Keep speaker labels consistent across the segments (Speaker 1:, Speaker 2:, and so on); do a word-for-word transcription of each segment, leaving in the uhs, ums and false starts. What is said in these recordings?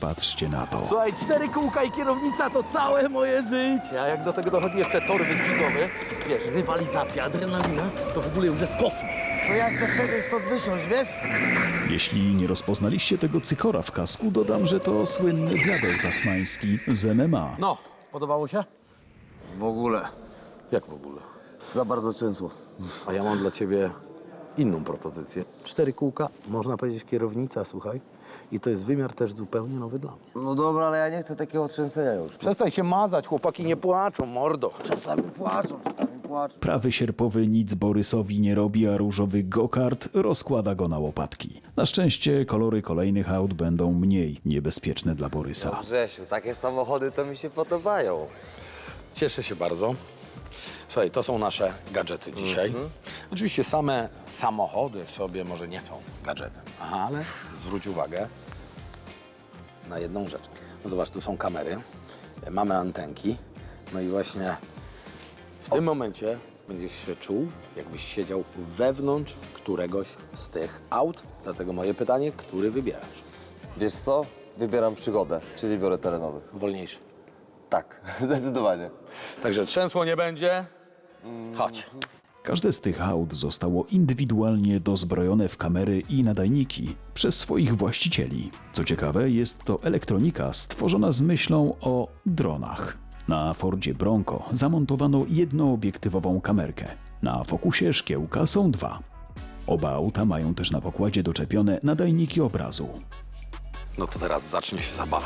Speaker 1: Patrzcie na to.
Speaker 2: Słuchaj, cztery kółka i kierownica to całe moje życie. A jak do tego dochodzi jeszcze tor wyścigowy, wiesz, rywalizacja, adrenalina, to w ogóle już jest kosmos.
Speaker 3: To jak to wtedy stąd wysiąść, wiesz?
Speaker 1: Jeśli nie rozpoznaliście tego cykora w kasku, dodam, że to słynny diabeł tasmański z M M A.
Speaker 2: No, podobało się?
Speaker 3: W ogóle.
Speaker 2: Jak w ogóle?
Speaker 3: Za bardzo często.
Speaker 2: A ja mam dla ciebie inną propozycję. Cztery kółka, można powiedzieć kierownica, słuchaj. I to jest wymiar też zupełnie nowy dla mnie.
Speaker 3: No dobra, ale ja nie chcę takiego trzęsenia już.
Speaker 2: Przestań się mazać, chłopaki nie płaczą, mordo.
Speaker 3: Czasami płaczą, czasami płaczą.
Speaker 1: Prawy sierpowy nic Borysowi nie robi, a różowy go-kart rozkłada go na łopatki. Na szczęście kolory kolejnych aut będą mniej niebezpieczne dla Borysa.
Speaker 3: Grzesiu, takie samochody to mi się podobają.
Speaker 2: Cieszę się bardzo. Słuchaj, to są nasze gadżety dzisiaj.
Speaker 3: Mhm.
Speaker 2: Oczywiście same samochody w sobie może nie są gadżetem, ale zwróć uwagę na jedną rzecz. No zobacz, tu są kamery, mamy antenki, no i właśnie w tym momencie będziesz się czuł, jakbyś siedział wewnątrz któregoś z tych aut. Dlatego moje pytanie, który wybierasz?
Speaker 3: Wiesz co? Wybieram przygodę, czyli biorę terenowy.
Speaker 2: Wolniejszy.
Speaker 3: Tak, zdecydowanie.
Speaker 2: Także trzęsło nie będzie. Chodź.
Speaker 1: Każde z tych aut zostało indywidualnie dozbrojone w kamery i nadajniki przez swoich właścicieli. Co ciekawe, jest to elektronika stworzona z myślą o dronach. Na Fordzie Bronco zamontowano jednoobiektywową kamerkę. Na Focusie szkiełka są dwa. Oba auta mają też na pokładzie doczepione nadajniki obrazu.
Speaker 2: No to teraz zacznie się zabawa.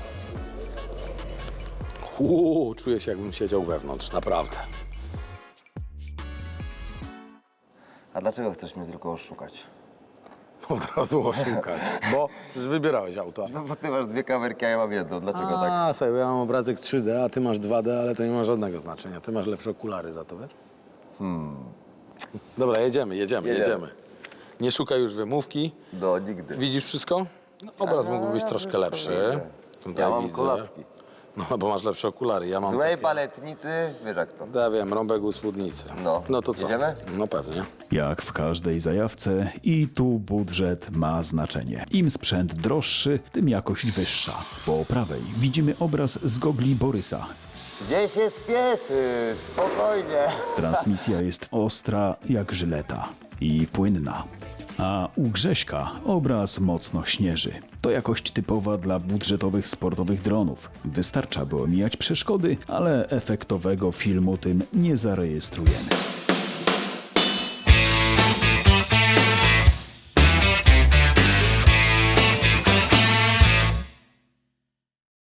Speaker 2: Uuu, czuję się, jakbym siedział wewnątrz, naprawdę.
Speaker 3: A dlaczego chcesz mnie tylko oszukać?
Speaker 2: Od razu oszukać, bo wybierałeś auto.
Speaker 3: No bo ty masz dwie kamerki, a ja mam jedną. Dlaczego tak?
Speaker 2: A, sobie, ja mam obrazek trzy D, a ty masz dwa D, ale to nie ma żadnego znaczenia. Ty masz lepsze okulary za to, wiesz? Hmm. Dobra, jedziemy, jedziemy,
Speaker 3: Jedziemy.
Speaker 2: jedziemy. Nie szukaj już wymówki.
Speaker 3: No, nigdy.
Speaker 2: Widzisz wszystko? No, obraz mógłby być troszkę lepszy. Tutaj
Speaker 3: Ja mam
Speaker 2: widzę.
Speaker 3: kolacki.
Speaker 2: No, bo masz lepsze okulary, ja mam
Speaker 3: Złej
Speaker 2: takie...
Speaker 3: paletnicy, wiesz jak to.
Speaker 2: Ja wiem, rąbek u spódnicy.
Speaker 3: No.
Speaker 2: No to co?
Speaker 3: Jedziemy?
Speaker 2: No pewnie.
Speaker 1: Jak w każdej zajawce, i tu budżet ma znaczenie. Im sprzęt droższy, tym jakość wyższa. Po prawej widzimy obraz z gogli Borysa.
Speaker 3: Gdzie się spieszysz? Spokojnie.
Speaker 1: Transmisja jest ostra jak żyleta i płynna. A u Grześka obraz mocno śnieży. To jakość typowa dla budżetowych sportowych dronów. Wystarcza, by omijać przeszkody, ale efektowego filmu tym nie zarejestrujemy.